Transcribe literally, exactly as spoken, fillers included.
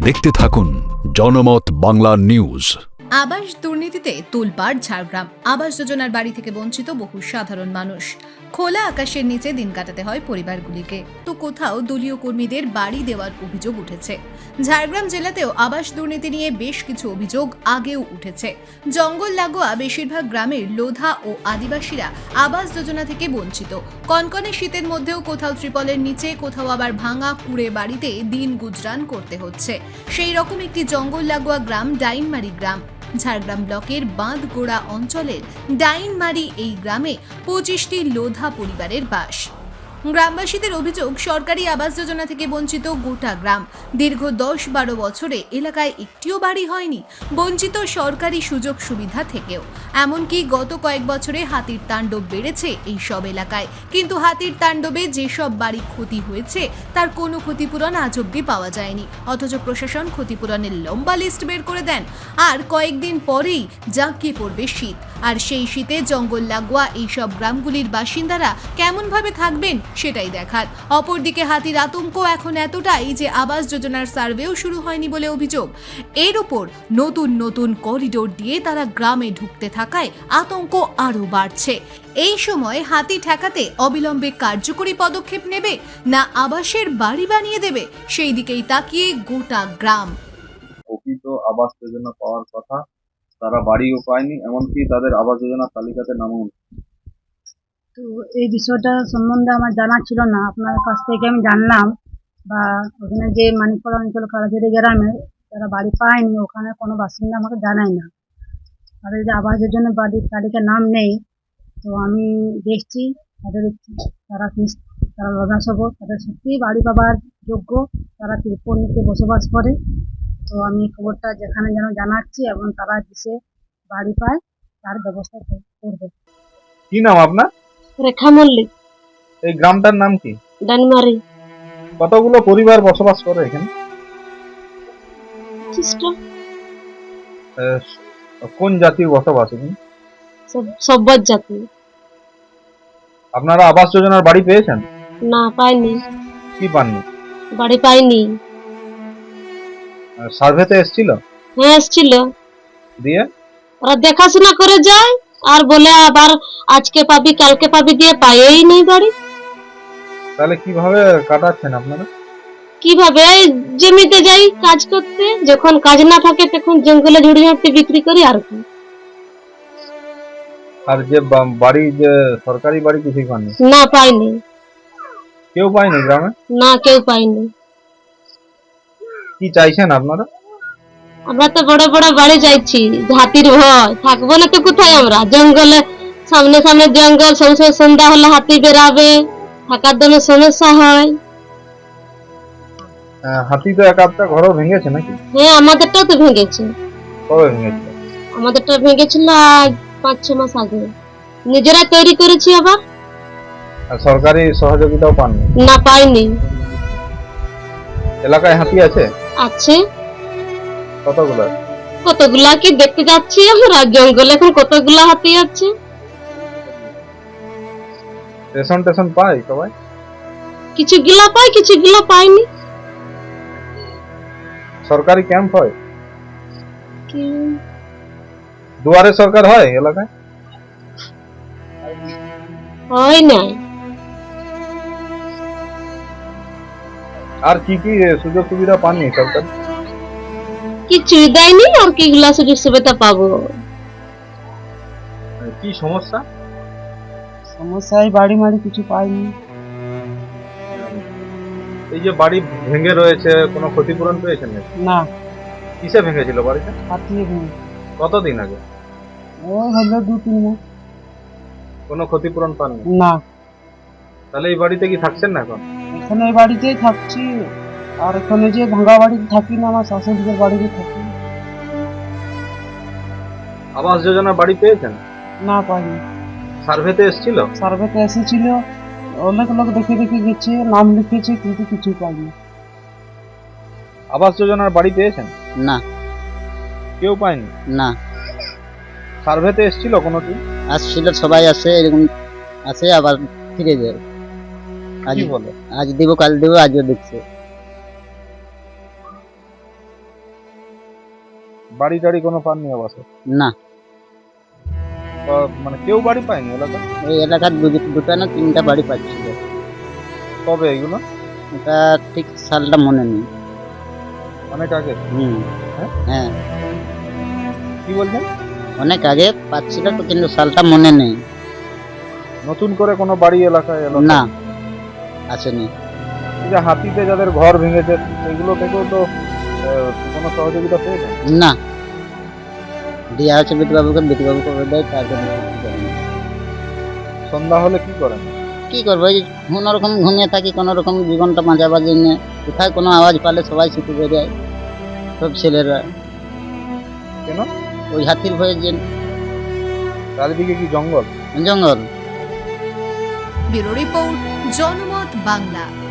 দেখতে থাকুন জনমত বাংলা নিউজ। আবাস দুর্নীতিতে তোলপাড় ঝাড়গ্রাম। আবাস যোজনার বাড়ি থেকে বঞ্চিত বহু সাধারণ মানুষ। খোলা আকাশের নিচে দিন কাটাতে হয় পরিবারগুলিকে, তো কোথাও দলীয় কর্মীদের বাড়ি দেওয়ার অভিযোগ উঠেছে। ঝাড়গ্রাম জেলাতেও আবাস দুর্নীতি নিয়ে বেশ কিছু অভিযোগ আগেও উঠেছে। জঙ্গল লাগোয়া বেশিরভাগ গ্রামের লোধা ও আদিবাসীরা আবাস যোজনা থেকে বঞ্চিত। কনকনে শীতের মধ্যেও কোথাও ত্রিপলের নিচে, কোথাও আবার ভাঙা কুড়ে বাড়িতে দিন গুজরান করতে হচ্ছে। সেই রকম একটি জঙ্গল লাগোয়া গ্রাম ডাইনমারি গ্রাম। ঝাড়গ্রাম ব্লকের বাঁধগোড়া অঞ্চলের ডাইনমারি এই গ্রামে পঁচিশটি লোধা পরিবারের বাস। গ্রামবাসীদের অভিযোগ, সরকারি আবাস যোজনা থেকে বঞ্চিত গোটা গ্রাম। দীর্ঘ দশ বারো বছরে এলাকায় একটিও বাড়ি হয়নি, বঞ্চিত সরকারি সুযোগ সুবিধা থেকেও। এমনকি গত কয়েক বছরে হাতির তাণ্ডব বেড়েছে এই সব এলাকায়, কিন্তু হাতির তাণ্ডবে যেসব বাড়ি ক্ষতি হয়েছে তার কোনো ক্ষতিপূরণ আজ অব্দি পাওয়া যায়নি। অথচ প্রশাসন ক্ষতিপূরণের লম্বা লিস্ট বের করে দেন, আর কয়েকদিন পরেই জাঁকিয়ে পড়বে শীত। আর সেই শীতে জঙ্গল লাগোয়া এইসব গ্রামগুলির বাসিন্দারা কেমনভাবে থাকবেন সেটাই দেখার। অপরদিকে হাতির আতঙ্ক এখন এতটাই যে আবাস যোজনার সার্ভেও শুরু হয়নি বলে অভিযোগ। এর উপর নতুন নতুন করিডোর দিয়ে তারা গ্রামে ঢুকতে থাকায় আতঙ্ক আরও বাড়ছে। এই সময় হাতি ঠেকাতে অবিলম্বে কার্যকরী পদক্ষেপ নেবে, না আবাসের বাড়ি বানিয়ে দেবে, সেই দিকেই তাকিয়ে গোটা গ্রাম। প্রকৃত আবাস যোজনা পাওয়ার কথা, তারা বাড়িও পায়নি, এমনকি তাদের আবাস যোজনার তালিকাতে নামও। তো এই বিষয়টা সম্বন্ধে আমার জানা ছিল না, আপনার কাছ থেকে আমি জানলাম। বা ওখানে যে মানিকপাড়া অঞ্চল কালাঝুরি গ্রামে যারা বাড়ি পায়নি, ওখানে কোনো বাসিন্দা আমাকে জানায় না, তাদের যে আবাস যোজনা বাড়ির তালিকায় নাম নেই। তো আমি দেখছি তাদের তারা তারা লগ্নাসব, তাদের সত্যিই বাড়ি পাবার যোগ্য, তারা ত্রিপল নিতে বসবাস করে। তো আমি খবরটা যেখানে যেন জানাচ্ছি এবং তারা দেশে বাড়ি পায় তার ব্যবস্থা করবে। কি নাম আপনার? রেখা মল্লিক। এই গ্রামটার নাম কি? ডানমারি। কতগুলো পরিবার বসবাস করে এখানে? কোন জাতির বসবাস এখানে? সব্বর জাতি। আপনারা আবাস যোজনার বাড়ি পেয়েছেন? না, পাইনি। কি পাননি? বাড়ি পাইনি। সার্ভেতে এসেছিল? হ্যাঁ, এসেছিল। দিয়ে ওরা দেখাশোনা করে যায় আর বলে আবার আজকে পাবি কালকে পাবি, দিয়ে পাইই নেই বাড়ি। তাহলে কিভাবে কাটাচ্ছেন আপনারা? কিভাবে? জমিতে যাই কাজ করতে, যখন কাজ না থাকে তখন জঙ্গলে ঝুড়ি ঝাড়তে বিক্রি করি আর কি। আর যে বাড়ি, যে সরকারি বাড়ি কিছুই পাননি? না, পাইনি। কেউ পায়নি গ্রামে? না, কেউ পাইনি। কি চাইছেন আপনারা? আমরা তো বড় বড় বাড়ি চাইছি, হাতির ভয় থাকবো না তো কোথায় আমরা? জঙ্গলে সামনে সামনে জঙ্গল, সবসময় সন্ধ্যা হলে হাতি বেরাবে, থাকার জন্য সমস্যা হয়। হাতি তো এক আধটা ঘরও ভেঙেছে নাকি? হ্যাঁ, আমাদেরটাও তো ভেঙেছে। কবে ভেঙেছে? আমাদেরটা ভেঙেছিল আজ পাঁচ ছ মাস আগে, নিজেরা তৈরি করেছি আবার। আর সরকারি সহযোগিতাও পাননি? না, পাইনি। এলাকায় হাতি আছে? আছে। কতগুলো? কতগুলা কি দেখতে যাচ্ছি আমরা জঙ্গলে, এখন কতগুলা হাতি আছে। রেশন টেশন পায় সবাই? কিছু গিলা পাই, কিছু গিলা পাইনি। সরকারি ক্যাম্প হয়? কি দুয়ারে সরকার হয় এলাকায়? হয় না। আর কি কি সুযোগ সুবিধা পাননি সরকার? কিছুই দেয়নি, আর কি গুলা সুযোগ সুবিধা পাবো? কি সমস্যা? সমস্যায় বাড়ি মারি কিছু পাইনি। এই যে বাড়ি ভেঙে রয়েছে, কোনো ক্ষতিপূরণ পেয়েছেন নাকি? না। কিসে ভেঙেছিল বাড়িটা? হাতিয়ে ভেঙে। কতদিন আগে? ও হলো দু তিন মাস। কোনো ক্ষতিপূরণ পাননি? না। তাহলে এই বাড়িতে কি থাকছেন না এখন? এখানে এই বাড়িতেই থাকছি, আর এখানে যে ভাঙা বাড়িতে থাকি না, আমার শাশুড়িদের বাড়িতে থাকি। আবাস যোজনার বাড়ি পেয়েছেন? না, পাইনি। সার্ভেতে এসেছিল? সার্ভেতে এসেছিল, অনেক লোক দেখে দেখে গেছে, নাম লিখেছে, কিন্তু কিছু পাইনি। আবাস যোজনার বাড়ি পেয়েছেন? না। কেউ পায়নি? না। সার্ভেতে এসেছিল কোনোদিন? আসছিল, সবাই আসে, এরকম আসে আবার ফিরে যায়। আজ কি বলে? আজ দিব কাল দিব, আজও দেখছে। বাড়ি টাড়ি কোনো পাননি আবাসে? না, বা মানে কেউ বাড়ি পায়নি এলাকা? এই এলাকার দু- দুটো না তিনটা বাড়ি পাচ্ছিল। কবে এগুলো? এটা ঠিক সালটা মনে নেই। অনেক আগে? হুম। হ্যাঁ? হ্যাঁ, কি বলছেন? অনেক আগে পাচ্ছিল তো, কিন্তু সালটা মনে নেই। নতুন করে কোনো বাড়ি এলাকায় এলো? না, আসেনি। এই যে হাতিতে যাদের ঘর ভেঙেছে সেগুলো থেকেও তো আহ, কোনো সহযোগিতা পেয়েছেন? না, দেওয়া হচ্ছে বিটুবাবুকে, বিটুবাবু করে দেয়, তার জন্য কিছু করে না। সন্ধ্যা হলে কি করেন? কি করবো, এই কোনো রকম ঘুমিয়ে থাকি, কোনো রকম জীবনটা বাঁচাবার জন্য। কোথায় কোনো আওয়াজ পালে সবাই ছুটে বেরিয়ে, সব ছেলেরা। কেন? ওই হাতির ভয়ে যে চারিদিকে কি জঙ্গল? জঙ্গল। ব্যুরো রিপোর্ট, জনমত বাংলা।